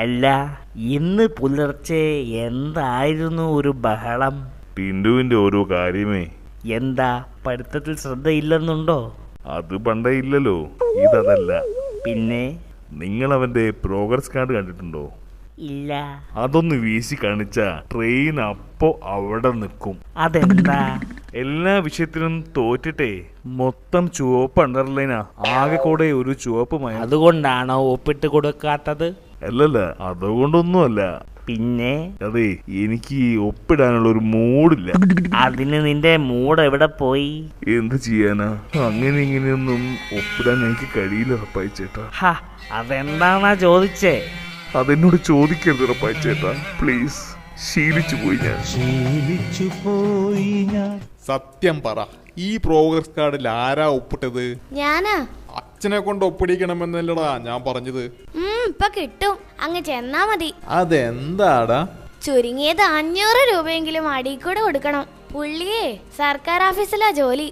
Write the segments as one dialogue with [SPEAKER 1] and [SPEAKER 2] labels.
[SPEAKER 1] അല്ല, ഇന്ന് പുലർച്ചെ എന്തായിരുന്നു ഒരു ബഹളം?
[SPEAKER 2] ടിൻഡുവിന്റെ ഓരോ കാര്യമേ.
[SPEAKER 1] എന്താ, പഠിത്തത്തിൽ ശ്രദ്ധയില്ലെന്നുണ്ടോ?
[SPEAKER 2] അത് പണ്ടേ ഇല്ലല്ലോ. ഇതല്ല.
[SPEAKER 1] പിന്നെ?
[SPEAKER 2] നിങ്ങൾ അവന്റെ പ്രോഗ്രസ് കാർഡ് കണ്ടിട്ടുണ്ടോ?
[SPEAKER 1] ഇല്ല.
[SPEAKER 2] അതൊന്ന് വീശി കാണിച്ച ട്രെയിൻ അപ്പോ അവിടെ നിൽക്കും.
[SPEAKER 1] അതെന്താ?
[SPEAKER 2] എല്ലാ വിഷയത്തിലും തോറ്റിട്ടേ മൊത്തം ചുവപ്പ് അണ്ടർലൈനാ. ആകെ കൂടെ ഒരു ചുവപ്പ് മയം.
[SPEAKER 1] അതുകൊണ്ടാണോ ഒപ്പിട്ട് കൊടുക്കാത്തത്?
[SPEAKER 2] അല്ലല്ല, അതുകൊണ്ടൊന്നുമല്ല.
[SPEAKER 1] പിന്നെ?
[SPEAKER 2] അതെ, എനിക്ക് ഒപ്പിടാനുള്ള ഒരു മൂഡില്ല.
[SPEAKER 1] അതിന് നിന്റെ മൂഡ് എവിടെ പോയി?
[SPEAKER 2] എന്ത് ചെയ്യാനാ, അങ്ങനെ ഇങ്ങനെയൊന്നും ഒപ്പിടാൻ എനിക്ക് കഴിയില്ല റപ്പായി ചേട്ടാ.
[SPEAKER 1] അതെന്താണാ ചോദിച്ചേ?
[SPEAKER 2] അതെന്നോട് ചോദിക്കരുത് റപ്പായി ചേട്ടാ, പ്ലീസ്. ശീലിച്ചു പോയി ഞാൻ.
[SPEAKER 3] സത്യം പറ, ഈ പ്രോഗ്രസ് കാർഡിൽ ആരാ ഒപ്പിട്ടത്?
[SPEAKER 4] ഞാനാ.
[SPEAKER 3] അച്ഛനെ കൊണ്ട് ഒപ്പിടിക്കണമെന്നല്ലടാ ഞാൻ പറഞ്ഞത്.
[SPEAKER 4] ഇപ്പൊ കിട്ടും, അങ്ങ് ചെന്നാ മതി.
[SPEAKER 3] അതെന്താടാ?
[SPEAKER 4] ചുരുങ്ങിയത് 500 രൂപയെങ്കിലും അടിക്കൂടെ കൊടുക്കണം. പുള്ളിയെ സർക്കാർ ഓഫീസിലാ ജോലി.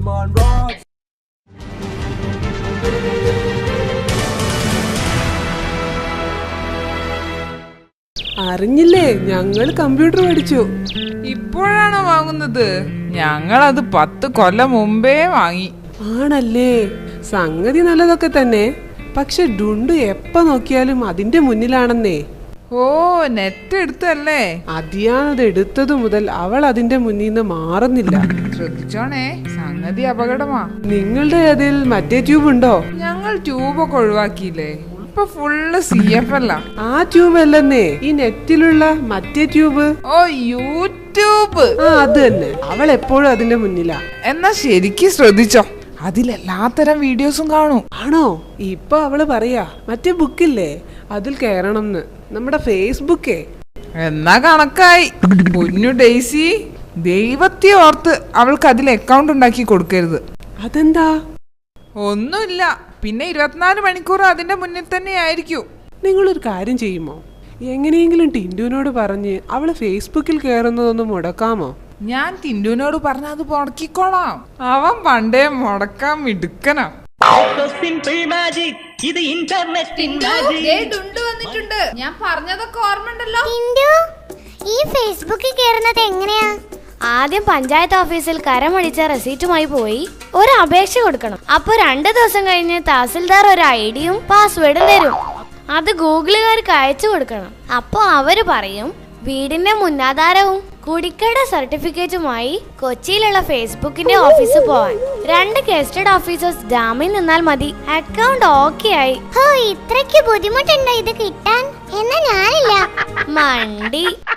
[SPEAKER 5] അറിഞ്ഞില്ലേ, ഞങ്ങൾ കമ്പ്യൂട്ടർ പഠിച്ചു.
[SPEAKER 6] ഇപ്പോഴാണോ വാങ്ങുന്നത്? ഞങ്ങളത് 10 കൊല്ലം മുമ്പേ വാങ്ങി.
[SPEAKER 5] ആണല്ലേ? സംഗതി നല്ലതൊക്കെ തന്നെ, പക്ഷെ ഡുണ്ടു എപ്പ നോക്കിയാലും അതിന്റെ മുന്നിലാണെന്നേ.
[SPEAKER 6] ഓ, നെറ്റ് എടുത്തല്ലേ?
[SPEAKER 5] അതിയാണത് എടുത്തതു മുതൽ അവൾ അതിന്റെ മുന്നിൽ നിന്ന് മാറുന്നില്ല.
[SPEAKER 6] ശ്രദ്ധിച്ചോണേ, സംഗതി അപകടമാ.
[SPEAKER 5] നിങ്ങളുടെ അതിൽ മറ്റേ ട്യൂബ് ഉണ്ടോ?
[SPEAKER 6] ഞങ്ങൾ ട്യൂബൊക്കെ ഒഴിവാക്കിയില്ലേ, ഇപ്പൊ ഫുള്ള് CF അല്ല.
[SPEAKER 5] ആ ട്യൂബ് അല്ലെന്നേ, ഈ നെറ്റിലുള്ള മറ്റേ ട്യൂബ്.
[SPEAKER 6] ഓ, യൂട്യൂബ്.
[SPEAKER 5] അത് തന്നെ. അവൾ എപ്പോഴും അതിന്റെ മുന്നിലാ.
[SPEAKER 6] എന്നാ ശരിക്കും ശ്രദ്ധിച്ചോ, അതിലെല്ലാത്തരം വീഡിയോസും കാണും.
[SPEAKER 5] ആണോ? ഇപ്പൊ അവള് പറയാ മറ്റേ ബുക്കില്ലേ, അതിൽ കയറണം, നമ്മുടെ ഫേസ്ബുക്കേ.
[SPEAKER 6] എന്നാ കണക്കായി. പൊന്നു ഡെയ്സി, ദൈവത്തെ ഓർത്ത് അവൾക്ക് അതിൽ അക്കൗണ്ട് ഉണ്ടാക്കി കൊടുക്കരുത്.
[SPEAKER 5] അതെന്താ?
[SPEAKER 6] ഒന്നുമില്ല, പിന്നെ 24 മണിക്കൂർ അതിന്റെ മുന്നിൽ തന്നെ ആയിരിക്കും.
[SPEAKER 5] നിങ്ങളൊരു കാര്യം ചെയ്യുമോ? എങ്ങനെയെങ്കിലും ടിൻഡുവിനോട് പറഞ്ഞ് അവള് ഫേസ്ബുക്കിൽ കയറുന്നതൊന്ന് മുടക്കാമോ?
[SPEAKER 6] ഞാൻ ടിൻഡുവിനോട് പറഞ്ഞ അത് മുടക്കിക്കോളാം. അവൻ പണ്ടേ മുടക്കാൻ മിടുക്കനാ. ഞാൻ പറഞ്ഞതൊക്കെ ഓർമ്മണ്ടല്ലോ.
[SPEAKER 4] ഈ ഫേസ്ബുക്കിൽ കയറുന്നത് എങ്ങനെയാ? ആദ്യം പഞ്ചായത്ത് ഓഫീസിൽ കരമടിച്ച റെസീറ്റുമായി പോയി ഒരു അപേക്ഷ കൊടുക്കണം. അപ്പൊ 2 ദിവസം കഴിഞ്ഞ് തഹസിൽദാർ ഒരു ഐഡിയും പാസ്വേഡും തരും. അത് ഗൂഗിളുകാർക്ക് അയച്ചു കൊടുക്കണം. അപ്പൊ അവര് പറയും വീടിന്റെ മുന്നാധാരവും കുടിക്കട സർട്ടിഫിക്കറ്റുമായി കൊച്ചിയിലുള്ള ഫേസ്ബുക്കിന്റെ ഓഫീസിൽ പോവാൻ. 2 ഗസ്റ്റഡ് ഓഫീസേഴ്സ് ജാമ്യം നിന്നാൽ മതി, അക്കൗണ്ട് ഓക്കെ ആയി. ഇത്രയ്ക്ക് ബുദ്ധിമുട്ടുണ്ടോ ഇത് കിട്ടാൻ? എന്നാ ഞാനില്ല മണ്ടി.